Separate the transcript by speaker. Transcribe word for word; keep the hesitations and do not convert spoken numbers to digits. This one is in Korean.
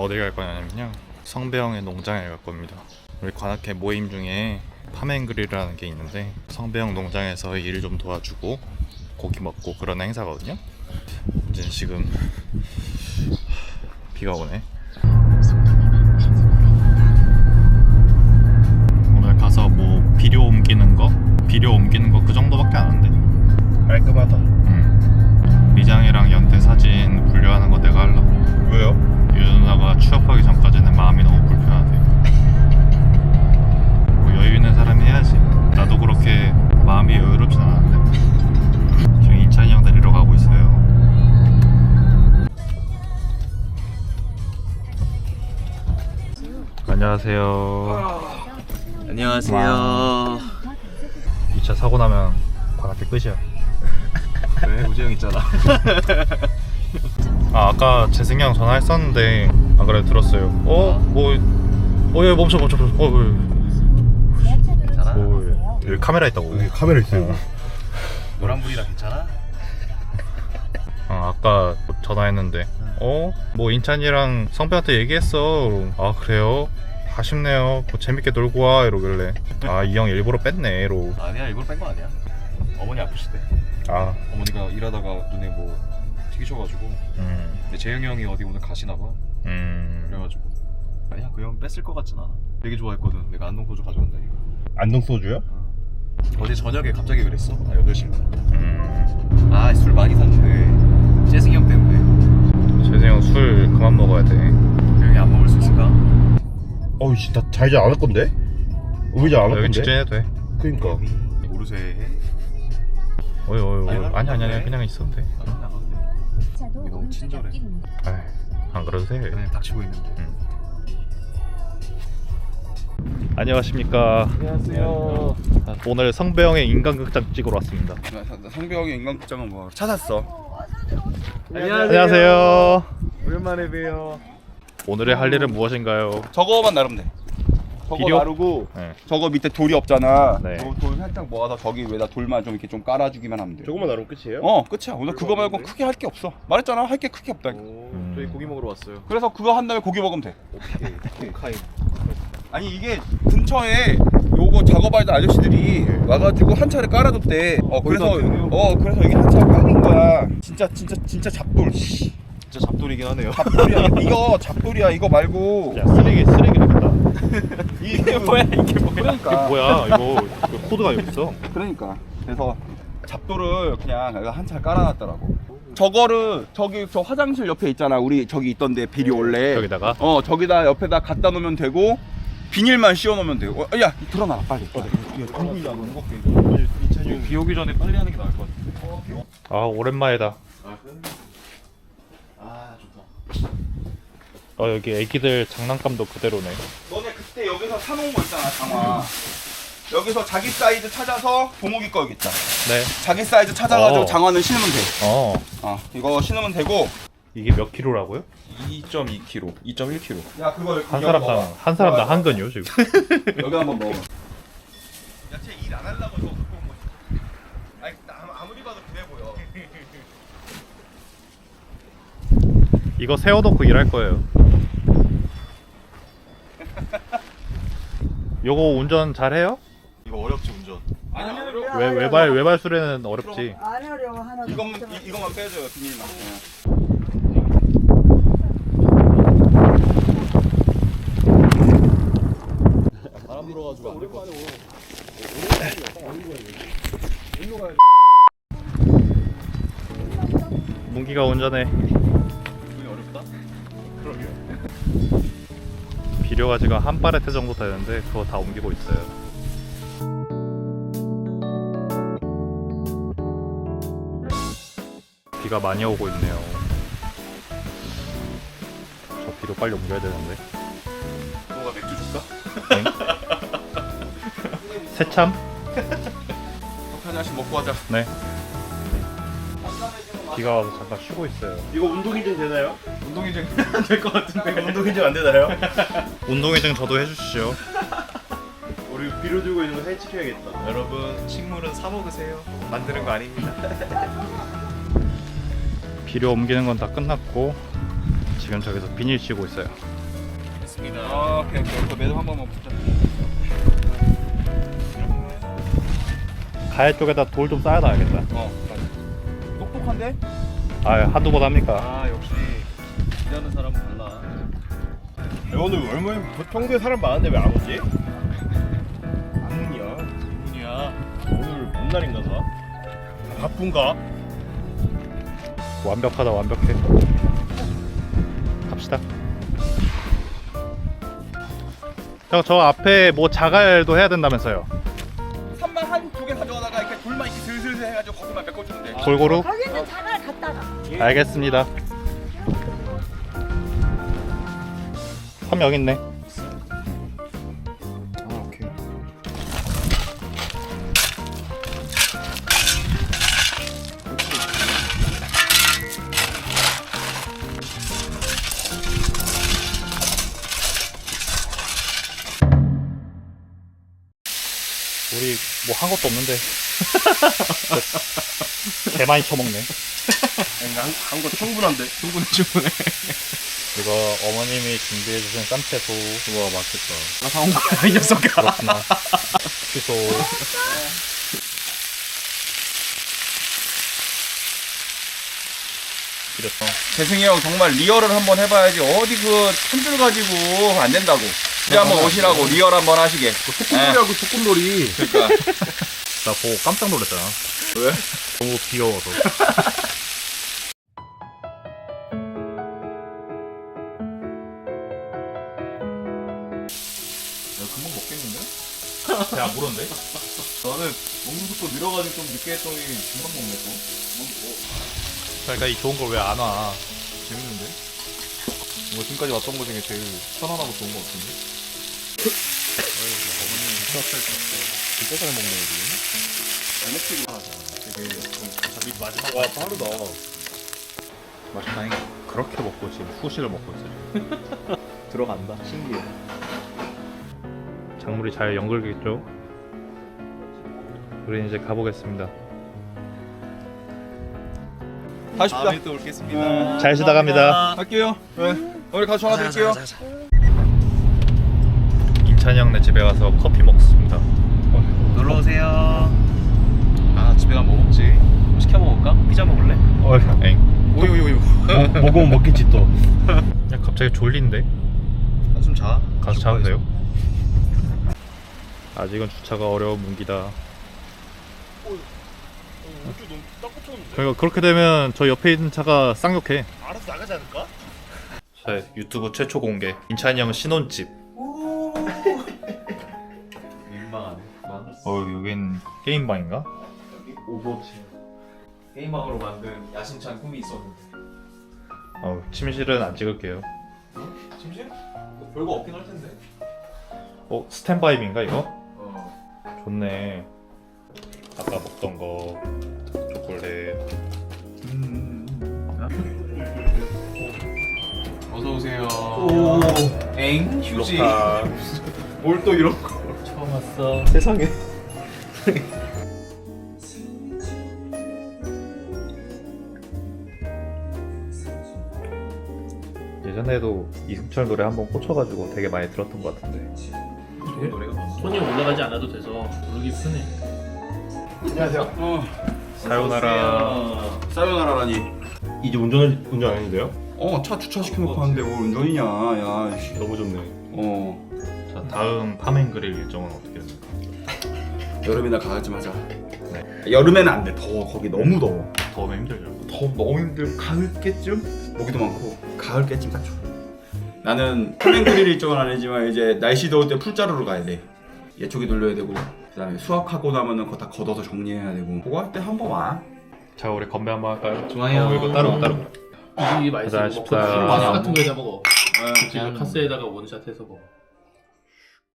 Speaker 1: 어디 갈 거냐면요, 성배형의 농장에 갈 겁니다. 우리 관악회 모임 중에 파맨그릴이라는 게 있는데 성배형 농장에서 일을 좀 도와주고 고기 먹고 그런 행사거든요. 이제 지금 비가 오네. 오늘 가서 뭐 비료 옮기는 거 비료 옮기는 거 그 정도밖에 안 하는데
Speaker 2: 깔끔하다.
Speaker 1: 응. 미장이랑 연태 사진 분류하는 거 내가 하려고.
Speaker 2: 왜요?
Speaker 1: 유준아가 취업하기 전까지는 마음이 너무 불편하대. 뭐 여유 있는 사람이 해야지. 나도 그렇게 마음이 여유롭진 않은데. 지금 인찬이 형 데리러 가고 있어요. 안녕하세요.
Speaker 3: 안녕하세요.
Speaker 1: 이 차 사고 나면 관악회 끝이야.
Speaker 3: 왜? 우재형 있잖아.
Speaker 1: 아, 아까 재승이 형 전화했었는데 안 그래도 들었어요. 어? 뭐 어, 예, 멈춰 멈춰 멈춰. 어, 어,
Speaker 3: 괜찮아?
Speaker 1: 어, 여기 카메라 있다고.
Speaker 2: 여기 카메라 있어요.
Speaker 3: 노란불이라 괜찮아?
Speaker 1: 어, 아까 전화했는데 어? 뭐 인찬이랑 성배한테 얘기했어. 아, 그래요? 아쉽네요. 뭐 재밌게 놀고 와 이러길래 아, 이 형 일부러 뺐네 이러고.
Speaker 3: 아니야, 일부러 뺀 거 아니야. 어머니 아프시대.
Speaker 1: 아,
Speaker 3: 어머니가 일하다가 눈에 뭐 튀기셔가지고.
Speaker 1: 음,
Speaker 3: 근데 재영이 형이 어디 오늘 가시나 봐.
Speaker 1: 음.
Speaker 3: 그래가지고 아니야, 그 형 뺐을 것 같진 않아. 되게 좋아했거든. 내가 안동 소주 가져온다니까.
Speaker 2: 안동 소주요?
Speaker 3: 어제 저녁에 갑자기 그랬어. 나 여덟 시에.
Speaker 1: 음.
Speaker 3: 아, 술 많이 샀는데 재승이 형 때문에.
Speaker 1: 재승이 형 술 그만 먹어야 돼.
Speaker 3: 형이 안 먹을 수 있을까?
Speaker 2: 어우 씨, 나 잘잘 안 할 건데? 의자 안 할
Speaker 1: 여기
Speaker 2: 건데?
Speaker 1: 직진해도 돼.
Speaker 2: 그니까.
Speaker 3: 모르쇠 해?
Speaker 1: 어이 어이 어이.
Speaker 3: 아니,
Speaker 1: 아니 아니 아니
Speaker 3: 안
Speaker 1: 그냥 있어도 돼.
Speaker 3: 안 안 돼.
Speaker 4: 이게
Speaker 3: 너무 친절해.
Speaker 1: 아이, 안 그래도 돼.
Speaker 3: 그냥 닥치고 있는데.
Speaker 1: 음. 안녕하십니까.
Speaker 3: 안녕하세요.
Speaker 1: 오늘 성배형의 인간극장 찍으러 왔습니다.
Speaker 5: 성벽의 인간극장은 뭐 찾았어.
Speaker 1: 안녕하세요.
Speaker 3: 오랜만에 봬요.
Speaker 1: 오늘의 할 일은 무엇인가요?
Speaker 5: 저거만 나르면 돼. 저거
Speaker 1: 비료?
Speaker 5: 나르고
Speaker 1: 네.
Speaker 5: 저거 밑에 돌이 없잖아.
Speaker 1: 네.
Speaker 5: 저 돌 살짝 모아서 저기 위에다 돌만 좀 이렇게 좀 깔아주기만 하면 돼.
Speaker 2: 조금만 나르면 끝이에요?
Speaker 5: 어, 끝이야. 오늘 그거 말고 크게 할 게 없어. 말했잖아. 할 게 크게 없다.
Speaker 3: 오,
Speaker 1: 음.
Speaker 3: 저희 고기 먹으러 왔어요.
Speaker 5: 그래서 그거 한 다음에 고기 먹으면 돼.
Speaker 3: 오케이. 카이.
Speaker 5: 아니 이게 근처에 요거 작업하던 아저씨들이 와가지고 한 차를 깔아줬대. 어 그래서
Speaker 3: 거기다 대네요.
Speaker 5: 어 그래서 여기 한 차 깔린 거야. 진짜 진짜 진짜 잡돌. 씨.
Speaker 3: 진짜 잡돌이긴 하네요.
Speaker 5: 잡돌이야. 이거 잡돌이야. 이거 말고.
Speaker 1: 야, 쓰레기 쓰레기 되겠다.
Speaker 5: 이게 뭐야 이게 뭐야? 그러니까.
Speaker 1: 뭐야 이거, 이거 코드가 여기 있어.
Speaker 5: 그러니까 그래서 잡돌을 그냥 한 차를 깔아놨더라고. 저거를 저기 저 화장실 옆에 있잖아. 우리 저기 있던데 비리 원래.
Speaker 1: 여기다가
Speaker 5: 어 저기다 옆에다 갖다 놓으면 되고 비닐만 씌워 놓으면 돼. 어, 야 들어놔라 빨리.
Speaker 3: 비 오기 전에 빨리 하는 게 나을 것 같아.
Speaker 1: 아, 오랜만이다.
Speaker 3: 아, 좋다.
Speaker 1: 어, 여기 애기들 장난감도 그대로네.
Speaker 5: 너네 그때 여기서 사놓은 거 있잖아 장화. 여기서 자기 사이즈 찾아서 동욱이 거 여기 있다.
Speaker 1: 네.
Speaker 5: 자기 사이즈 찾아가지고
Speaker 1: 어.
Speaker 5: 장화는 신으면 돼.
Speaker 1: 어,
Speaker 5: 어 이거 신으면 되고.
Speaker 1: 이게 몇 킬로라고요?
Speaker 3: 이 점 이 킬로그램, 이 점 일 킬로그램.
Speaker 5: 야 그거
Speaker 1: 한 사람당 한 사람당 한 근요 지금.
Speaker 5: 여기 한번 넣어. 야쟤 일 안 하려고 이거 갖고 온 거지. 아니 나 아무리 봐도 그래 보여.
Speaker 1: 이거 세워놓고 일할 거예요. 요거 운전 잘해요?
Speaker 3: 이거 어렵지 운전.
Speaker 5: 아니 아니
Speaker 1: 외, 외발 외발 수레는 어렵지.
Speaker 4: 안 하려고 하나
Speaker 5: 이것만 이, 이것만 빼줘요 비닐만.
Speaker 3: 바람 불어가지고 안 될 것 같아.
Speaker 1: 문기가 운전해.
Speaker 3: 운전이 어렵다? 그러게요.
Speaker 1: 비료가 지금 한 파레트 정도 되는데 그거 다 옮기고 있어요. 비가 많이 오고 있네요. 저 비료 빨리 옮겨야 되는데.
Speaker 3: 너가 맥주 줄까?
Speaker 1: 새참?
Speaker 5: 커피 하나씩 먹고 하자.
Speaker 1: 네. 비가 와서 잠깐 쉬고 있어요.
Speaker 2: 이거 운동인증 되나요?
Speaker 5: 운동인증 될 것 같은데.
Speaker 2: 운동인증 안 되나요?
Speaker 1: 운동회증 저도 해주시죠.
Speaker 2: 우리 비료 들고 있는 거 사진 찍혀야겠다.
Speaker 3: 여러분, 식물은 사 먹으세요. 만드는 거 아닙니다.
Speaker 1: 비료 옮기는 건 다 끝났고 지금 저기서 비닐 씌고 있어요.
Speaker 4: 알겠습니다.
Speaker 5: 아, 오케이 오케이. 그 매듭 한 번만 붙자.
Speaker 1: 가해 쪽에다 돌 좀 쌓아놔야겠다.
Speaker 5: 어. 똑똑한데?
Speaker 1: 아 한두 번 합니까?
Speaker 4: 아 역시 일하는 사람은 달라.
Speaker 2: 야, 오늘 얼마나 평소에 사람 많은데 왜 안 오지? 안문이야.
Speaker 4: 문이야.
Speaker 2: 오늘 뭔 날인가 봐. 바쁜가?
Speaker 1: 완벽하다 완벽해. 갑시다. 형 저 앞에 뭐 자갈도 해야 된다면서요?
Speaker 5: 삼만 한 두 개 가져가다가 이렇게 돌만 이렇게 슬슬슬 해가지고 거기만 메꿔주면 돼.
Speaker 1: 골고루?
Speaker 6: 거기는 자갈 갖다가.
Speaker 1: 알겠습니다. 한 명 있네.
Speaker 5: 아, 오케이.
Speaker 1: 우리 뭐 한 것도 없는데 개 많이 쳐먹네.
Speaker 2: 한 거 충분한데?
Speaker 4: 충분해 충분해.
Speaker 1: 이거 어머님이 준비해주신 쌈채소.
Speaker 4: 와 맛있겠다. 나 사온 거야 이 녀석아.
Speaker 1: 그렇구나. 취소. 이랬어.
Speaker 5: 재승이 형 정말 리얼을 한번 해봐야지. 어디 그 한 줄 가지고 안 된다고. 이제 한번 오시라고 리얼 한번 하시게.
Speaker 2: 소꿉놀이하고 소꿉놀이.
Speaker 5: 그러니까.
Speaker 1: 나 보고 깜짝 놀랐잖아.
Speaker 5: 왜?
Speaker 1: 너무 귀여워서.
Speaker 3: 금방 먹겠는데?
Speaker 1: 야 모르는데?
Speaker 3: 나는 먹는 속도 느려가지고 좀 늦게 했더니 금방 먹네 또.
Speaker 1: 그러니까 이 좋은 걸 왜 안 와?
Speaker 3: 재밌는데? 뭐 지금까지 왔던 거 중에 제일 편안하고 좋은 거 같은데? 어머님 진짜 잘 먹네 우리. 잘 먹지 하잖아. 되게 좀 자기 마지막
Speaker 2: 와, 빠르다.
Speaker 1: 맛있다잉. 그렇게 먹고 지금 후식을 먹고 있어요.
Speaker 3: 들어간다. 신기해.
Speaker 1: 작물이 잘 연결겠죠? 우리 이제 가보겠습니다.
Speaker 5: 가십시다.
Speaker 3: 다음에 또 올겠습니다.
Speaker 1: 잘 쉬다 갑니다.
Speaker 5: 갈게요. 네. 오늘 가서 전화 드릴게요.
Speaker 1: 인찬이 형네 집에 와서 커피 먹습니다.
Speaker 4: 놀러 오세요. 아 집에 가면 뭐 먹지? 뭐 시켜 먹을까? 피자 먹을래?
Speaker 1: 어, 엥.
Speaker 3: 오유 오유.
Speaker 2: 뭐, 먹으면 먹겠지 또.
Speaker 1: 야 갑자기 졸린데?
Speaker 3: 한숨 자.
Speaker 1: 가서 자도 돼요? 아직은 주차가 어려운 문기다. 그러니까 그렇게 되면 저 옆에 있는 차가 쌍욕해.
Speaker 2: 알아서 나가지 않을까?
Speaker 1: 자, 유튜브 최초 공개. 인찬이 형 신혼집.
Speaker 3: 민망하네.
Speaker 1: 어, 여긴 게임방인가?
Speaker 3: 여기 오버워치. 게임방으로 만든 야심찬 꿈이 있었는데.
Speaker 1: 어, 침실은 안 찍을게요.
Speaker 3: 침실? 뭐 별거 없긴 할 텐데.
Speaker 1: 어, 스탠바이인가 이거?
Speaker 3: 어.
Speaker 1: 좋네. 아까 먹던 거 초콜릿.
Speaker 3: 어서 오세요.
Speaker 4: 오.
Speaker 3: 엥 휴지.
Speaker 1: 로카.
Speaker 3: 뭘 또 이런 거.
Speaker 4: 처음 왔어.
Speaker 3: 세상에.
Speaker 1: 예전에도 이승철 노래 한번 꽂혀가지고 되게 많이 들었던 것 같은데.
Speaker 3: 좋은 노래가 많아.
Speaker 4: 손이 올라가지 않아도 돼서 부르기 편해.
Speaker 5: 안녕하세요. 어.
Speaker 1: 사요나라.
Speaker 5: 사요나라라니.
Speaker 2: 이제 운전 운전 아닌데요?
Speaker 5: 어, 차 주차시켜놓고 왔는데 뭘 운전이냐. 야, 씨.
Speaker 2: 너무 좋네.
Speaker 5: 어.
Speaker 1: 자, 다음 파맨그릴 일정은 어떻게 됩니까?
Speaker 5: 여름이나 가을쯤 하자. 네. 여름에는 안 돼. 더워. 거기 너무 더워.
Speaker 1: 더우면 힘들죠.
Speaker 5: 더 너무 힘들고 가을께쯤 모기도 많고 가을께쯤 딱 좋아. 나는 플랜그릴 일정은 아니지만 이제 날씨 더울 때 풀자루로 가야 돼. 예초기 돌려야 되고 그다음에 수확하고 나면은 그거 다 걷어서 정리해야 되고 그거 할 때 한 번 와.
Speaker 1: 자, 우리 건배 한번 할까요?
Speaker 4: 좋아요.
Speaker 1: 어, 이거 따로 따로.
Speaker 4: 이게 맛있어.
Speaker 1: 가자,
Speaker 4: 뭐
Speaker 1: 십사.
Speaker 4: 커피 많이 안 같은 거에다 먹어.
Speaker 5: 어,
Speaker 4: 지금 카스에다가 원샷해서 먹어.